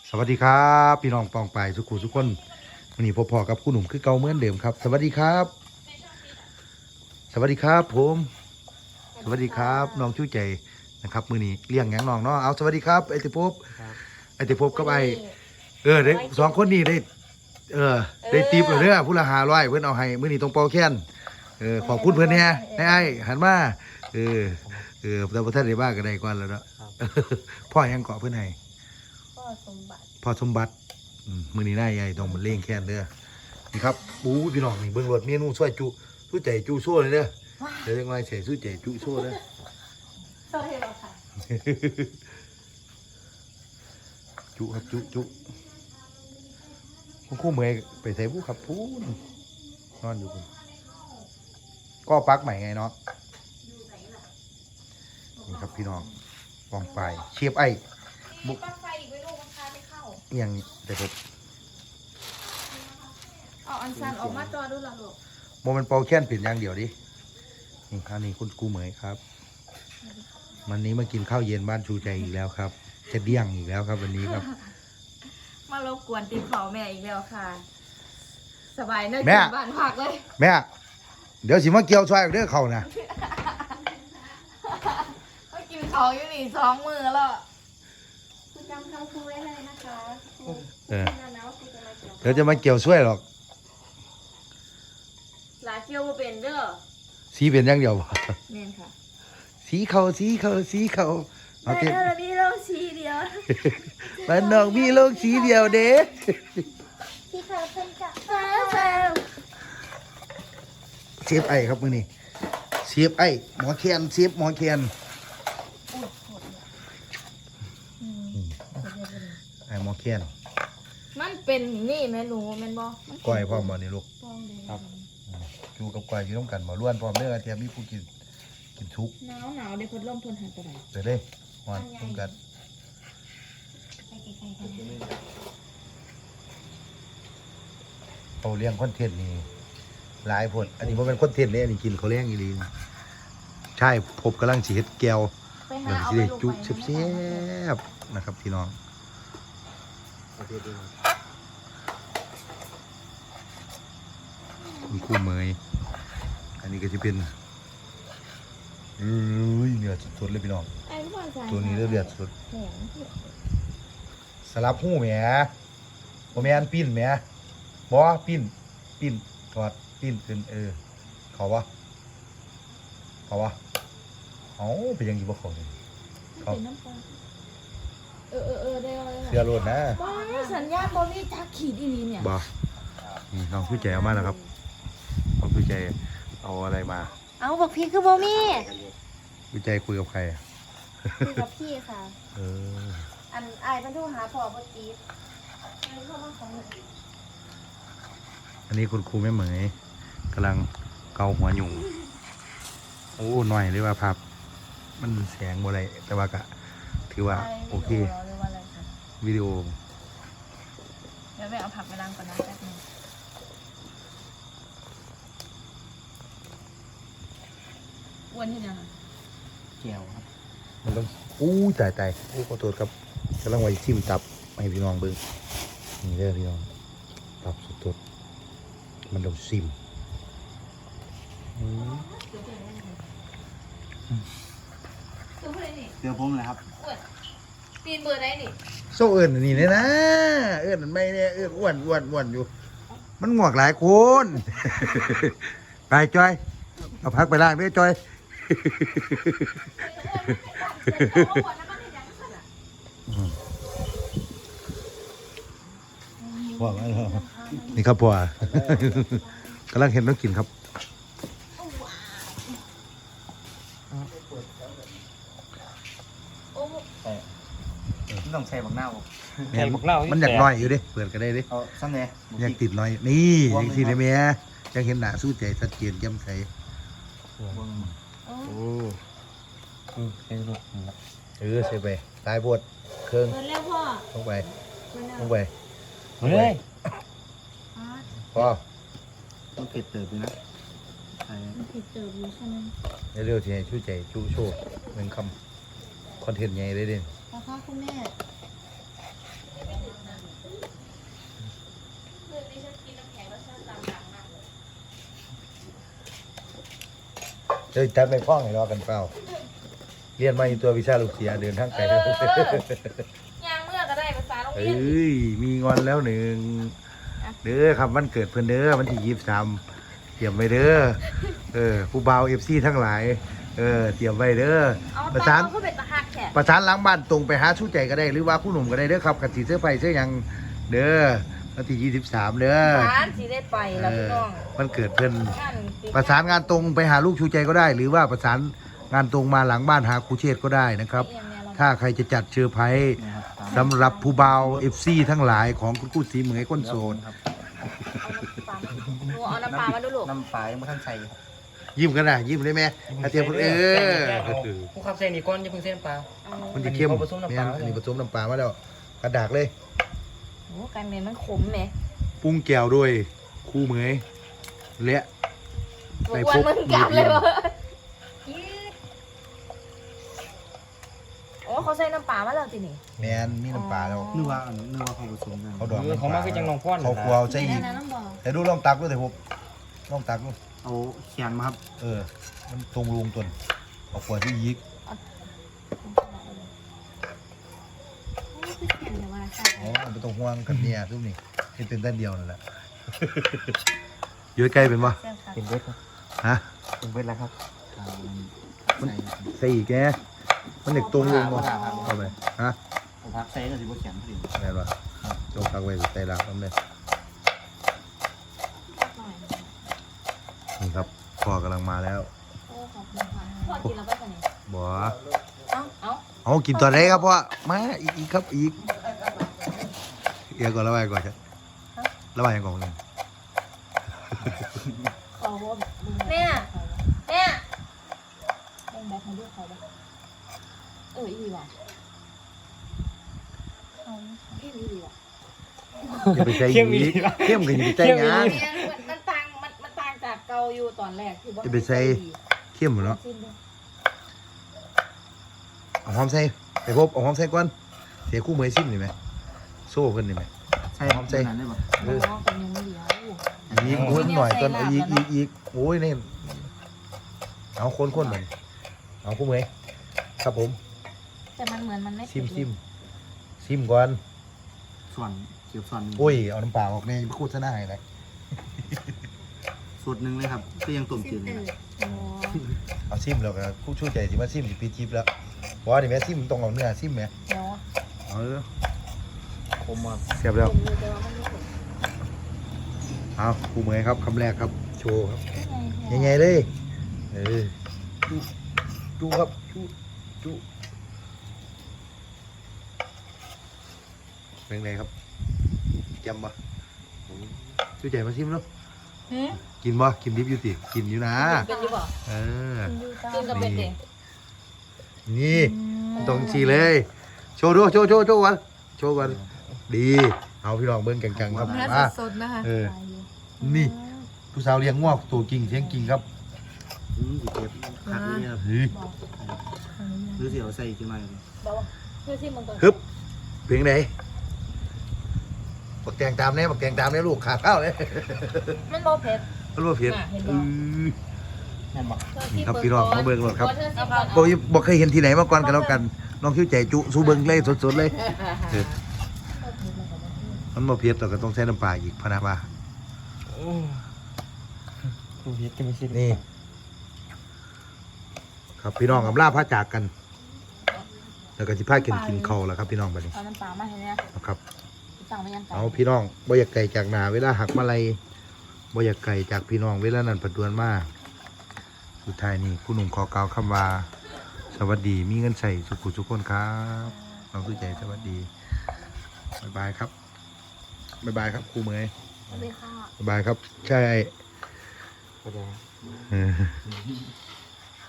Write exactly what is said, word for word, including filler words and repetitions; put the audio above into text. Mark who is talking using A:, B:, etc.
A: สวัสดีครับพี่น้องปองไปสุขุทุกคนวันนี้พบพอกับคุณหนุ่มคือเก่าเหมือนเดิมครับ สวัสดีครับ สวัสดีครับผมสวัสดีครับน้องชูใจนะครับมือนี้เลี้ยงหยังน้องเนาะเอาสวัสดีครับไอติภพไอติภพกับไอเออได้สองคนนี้ได้เออได้ตีบเลยเด้อผู้ละหาร้อยเพื่อนเอาให้มือนี้ตรงเป่าแค้นเออขอบคุณเพื่อนแน่ให้ไอหันมาเออเออแต่พระท่านได้บ้าก็ได้ก่อนแล้วเนาะพ่อยังเกาะเพื่อนให้
B: พ่อสมบัติ
A: พ่อสมบัติมือนี้นายใหญ่ต้องมันเล่งแค้นเด้อนี่ครับปูพี่น้องนี่เบิ่งรถเมนูช่วยจุสู้ใจจุโซ่เลยเด้อเดี๋ยวยังไงใส่สู้ใจจุโซ่เด้อ
B: โซ่ให้เราค่ะ
A: จุครับจุจุคุณครู่เมย์ไปใส่ผู้ขับพูนนอนอยู่คุณก็ปักใหม่ไงเนาะนี่ครับพี่น้องวางไปเชียบไอ้
B: บุกปักไฟอีกไว้ลูกมันพาไปเข้า
A: อย่างแต่ผม
B: เอาอันซันออกมาจอดูละลูก
A: โมมันเป่าแค้นผิดอย่างเดียวดินี่คราวนี้คุณกูเหมยครับวันนี้มากินข้าวเย็นบ้านชูใจอีกแล้วครับจะเดี้ยงอีกแล้วครับวันนี้ครับ
B: มารบกวนติดเขาแม่อีกแล้วค่ะสบายเนอะกินบ้านผักเลย
A: แม่เดี๋ยวสิมาเกี่ยวช่วยเรื่องเขานะ
B: ก็กินเขาอยู่นี่สองมือแล้วคุณจำคำครูไว้เลยนะคะ
A: เออเดี๋ยวจะมาเกี่ยวช่วยหรอก
B: หลาเกี่ยวเป็นเด้อ
A: สีเป็นอย่างเดียว
B: เน่นค่ะ
A: สีเขาสีเขาสีเขา
B: แต่เรามีโลกสีเดียว
A: บ้านนอกมีโลกสีเดียวเด้
B: ที่เขาเป็นกับเฟล
A: เชฟไอครับมือนี่เชฟไอหมอแคนเชฟหมอแคนไอหมอแคน
B: มันเป็นนี่แม่หนูแม่นบ่
A: ก้อยพ่อมบ่นี่ลูกครับอยู่กับก้อยอยู่ต้องกันบ่ล้วนพร้อมเด้อเทียมมีผู้กินกินทุก
B: หนาวหนาวเดี๋ยวคนร่มทนหันไปไหน
A: เดี๋ยวได้หอนต้องกันเขาเลี้ยงคอนเทนต์นี่หลายผลอันนี้มันเป็นคอนเทนต์เลยอันนี้กินเขาเลี้ยงอีหลีใช่ผมกำลังฉีดแก้วเหมือนที่จุ๊บเสียบๆนะครับพี่น้องคุณครู่เมยอันนี้ก็จะเป็นเอ้ยเนื้อสดๆเลยพี่น้องตัวนี้เลือดสดสลับหูแหมโมแมนปิ้นแหมบอปิ้นปิ้นถอดปิ้นขึ้นเออเขาวะเขาวะเขาเป็นยังไงบ่เขาเลยเขา
B: เออเออเออได้เลย
A: เสือโรดนะ
B: บ้าสัญญาณบอมีจักขีดอีลีเนี่ย
A: บ้านี่น้องผู้ใจเอามาแล้วครับน้องผู้ใจเอาอะไรมา
B: เอาบอกพี่คือบอมี
A: ผู้ใจคุยกับใคร
B: คุยกับพี่ค่ะ
A: เออ
B: อันไอ้บรรทุกหาพอพอดีอันนี้เข้ามาของ
A: อันนี้คุณครูแม่เหมยกำลังเกาหัวหยุ่งโอ้หน่อยเลยว่าภาพมันแสงบ่ได้แต่ว่ากะถือว่าโอเควิดีโอ
B: เดี๋ยวแม่เอาผักไปล้างก่อนนะแป๊บนึงอ้วนที่ยัง
C: เกี่ยวครับ
A: มันต้องอู้ตายตายอู้ขอโทษครับกำลังไว้ชิมตับให้พี่น้องเบิ้งนี่เด้อพี่น้องตับสดๆมันต้องซิม
C: เดี๋ยวผมเลยครับ
B: ตีนเบอร์ไหนนี่
A: โซ่เอิญนี่เลยนะเอิญมันไม่เนี่ยเอิญอ้วนอ้วนอ้วนอยู่มันงวกหลายคนไปจอยเอาพักไปล่างด้วยจอยว่าไงล่ะนี่ครับพ่อกำลังเห็นน้องกินครับ
C: ต้องใส่บักหน้าบ่
A: ใส่บักหน้ามันอยากน้อยอยู่ดิเปิดกันได้ดิ
C: เอาสั้นเลย
A: อยากติดน้อยนี่ยังสิได้ไหมยังเห็นหน้าสู้ใจชัดเจนย้ำใสโอ้
C: ใส่ลูก
A: เออใส่ไปตายปวดเครื่อง
B: แล้วพ่อ
A: ลงไปลงไป
C: เฮ้ย
A: พ่อ
C: มันเผ็ดเติบอยู่นะ
B: มันเผ็ดเติบอยู่ใช่ไหม
A: เร็วๆทีช่วยใจชูโชว์เป็นคำคอนเทนต์ใหญ่เลยเด่น
B: นะคะคุณแม่
A: เดี๋ยวจัดไปพ้องให้รอกันเปล่าเรียนมาอีตัววิชาลูกเสียเดินทางไกล
B: เออย่างเมื่อก็ได้ภาษาโรง
A: เอ
B: เรียน้
A: ยมีงอนแล้วหนึ่งเด้อครับวันเกิดเพื่อนเด้อวันที่ยี่สิบสามเตรียมไว้เด้อเออผู้บ่าวเอฟซีทั้งหลายเออเตรียมไว้เด้อ
B: เอา
A: ประ
B: ตา
A: สาม น
B: เขาเป็นตะหักแขก
A: ประสานหล้างบ้านตรงไปหาชู้ใจก็ได้หรือว่าผู้หนุ่มก็ได้เด้อครับขัดสีเสื้อไฟเสื้อหยังเด้อวันที่ยี่สิบสามเด้อ
B: ร้านสีได้ไปแล้วพี่น้อง
A: วันเกิดเพื่อน
B: งานสิ
A: ประสานงานตรงไปหาลูกชูใจก็ได้ หรือว่าประสานงานตรงมาหลังบ้านหาครูเชษฐ์ก็ได้นะครับ
B: อย่างเนี้ยเรา
A: ถ้าใครจะจัดเชอร์ไพรส์
C: นะครับตาม
A: สำหรับผู้บ่าวเอฟซีทั้งหลายของคุณกู้สีเหมยก้นโซน
C: ครับ
B: หนูเอาน้ำปลามาดูลูก
C: น้ำปลายังไม่ทันใส่ครับ
A: ยิ้มกันนะยิ้มได้ไหมอาเทียมเออ
D: ผู้ขับเส้นนี่ก้อนจะเพิ่งเส้นปลา
B: เอา
A: มันจะเข้ม
D: อันนี้ผสมน้ำปลา
A: เนี่ยอันนี้ผสมน้ำปลามาแล้วกระดากเลย
B: โอ้กันเมนมันขมไหม
A: ปรุงแก้วด้วยคู่เหมยและ
B: บกวนมึงกลับเลยวะโอ้เขาใส่น้ำปลามาแล้วจีนี่
A: แมนมีน้ำปลาแล้ว
C: นึกว่าอันนึกว่าเขาผสมกัน
A: เขาดอง
D: เออเขามาคือจังน้องพ่อน
A: เขาครัวเอาใส่อีก
B: น้ำบ่อ
A: แต่ดูลองตักด้วยแต่ผมลองตักดู
C: เอาเขียนมาครับ
A: เออ มันตรงรูมตนเอาขวดที่ยิกอ๋อมันเป็นตรงห่วงกันเนี่ยทุกนี่ที่เป็นด้านเดียวนั่นแหละ อยู่ใกล้เป็นปะ
C: เป็นเวทครับ
A: ฮะ
C: เป็นเวทแล้วครับอ่า
A: มัน
C: ใส่
A: ใส่อีกแกมันเด็กตรงรูมวะเข้าไปฮะ
C: ผมพักใส่ก็ถือว่าเขียนพอดี
A: แม่นปะจงตักไว้ใส่ลากมันเลยนี่ครับพ่อกำลังมาแล้ว
B: พอกินแล้วก็จะนี่
A: บ่
B: เอ้าเอ้า
A: เอากินตอนไหนครับพ่อมาอีกอีกครับอีกเอียก่อนระบายก่อนใช่ระบายก่อนหนึ่ง
B: แม่แม่แบ่งแบกให้ลูกเขาบ้างเอออีว่ะเอาพี่อีว่ะ
A: อย่าไปใส่อีกเข้มกันอย่าไปใส่งาน
B: เนี่ยมันมันต่างมันมันต่างจากเกาอยู่ตอนแรกคือว่า
A: จะไปใส่ เข้มหมดเนาะเอาหอมใส่ไปพบเอาหอมใส่ก่อนเสียคู่มือซิมนี่ไหมโซ่เพิ่นนี่ไหม
C: ใช่ครับ
A: ใส่
C: นั้นได้ปะ
B: เออเป็นยังเดียว
A: อีกโอ้ยหน่อยก่อนเอาอีกอีกอีกโอ้ยนี่เอาคนคนหน่อยเอาคู่มือครับผม
B: แต่มันเหมือนมันไม่
A: ซิมซิมซิมก่อน
C: ส่วนเกี่ยวส่วน
A: โอ้ยเอาน้ำเปล่าออกในโฆษณาให้เลย
C: สูตรหนึ่งเลยครับก็ยังต้มจืดเลยครับ
B: โอ้
A: เอาซิมแล้วก็ผู้ช่วยใจสิมาซิมสิปีจิบแล้วเพราะว่านี่แม่ซิมต้องเอาเนื้อซิมแม่
B: เดี๋ยว
A: เออ
C: คมมาก
A: เสียบแล้ว
B: ผมดูเดี๋ยวมันไม่ถูก
A: เอาครูเหมยครับคำแรกครับ โชว์ครับ
B: ยัง
A: ใหญ่ๆเลยเออจุจุครับจุจุเป็นไงครับจำปะช่วยใจมาซิมเนาะ
B: หืม
A: กินบ่กินดิบอยู่ติกินอยู่นะ
B: เป็นอยู่บ่
A: เออ
B: กินกับเป็ดเด็
A: นี่ตรงชีเลย โชว์ดูโชว์โชว์โชว์กันโชว์กันดี เอาพี่ลองเบิ้งแกงๆครับ
B: เนื้อ
A: มา
B: สดๆนะคะ
A: เออ นี่ ผู้สาวเลี้ยงงอกตัวกิ่งเสียงกิ่งครับ
C: อืมสิเก็บคักเลยครับ
A: เฮ้ย
C: หรือเสียวใส่จังไรครับ
B: บอกว่าเพื่อที่มันตัว
A: ฮึบเพียงไหนบักแตงตามเนี่ยบักแตงตามเนี่ยลูกขาดข้าวเลย
B: มันบ่เผ็ด
A: มันว่าเพียง
B: อ่ะเห็นบ่
A: อือ
C: แม่นบอก
A: นี่ครับพี่น้องมาเบิ่งรถครับ
B: เธอสิก่อน
A: บอกบอกเคยเห็นที่ไหนมาก่อนกันแล้วกันน้องคิ้วใจจุสู้เบิ่งเลยสดๆเลยเออมันมาเพียรแต่ก็ต้องใช้น้ำปลาอีกพะนาบา
D: ดูเฮ็ดจะไม่ใช่
A: นี่ ครับพี่น้องกับล่าพระจากกัน แล้วก็สิพากินกินข้าวแล้วครับพี่น้องบัดนี้
B: เอาน้ำปลามาให้เนี่ย
A: นะครับ
B: สั่งไปยังไง
A: เอาพี่น้องบ่อยากไก่จากหนาเวลาหักมาลัยบ่อยากไก่จากพี่น้องเวลานั้นประดวนมาสุดท้ายนี่คุณหนุ่มขอกล่าวคำว่า สวัสดีมีเงินใส่สุขุทุกคนครับน้องสุใจสวัสดีบ๊ายบายครับบ๊ายบายครับครูเหมย
B: สวัสดีค่ะ
A: บ๊ายบายครับ ใช่
D: ก็ได้
A: เออ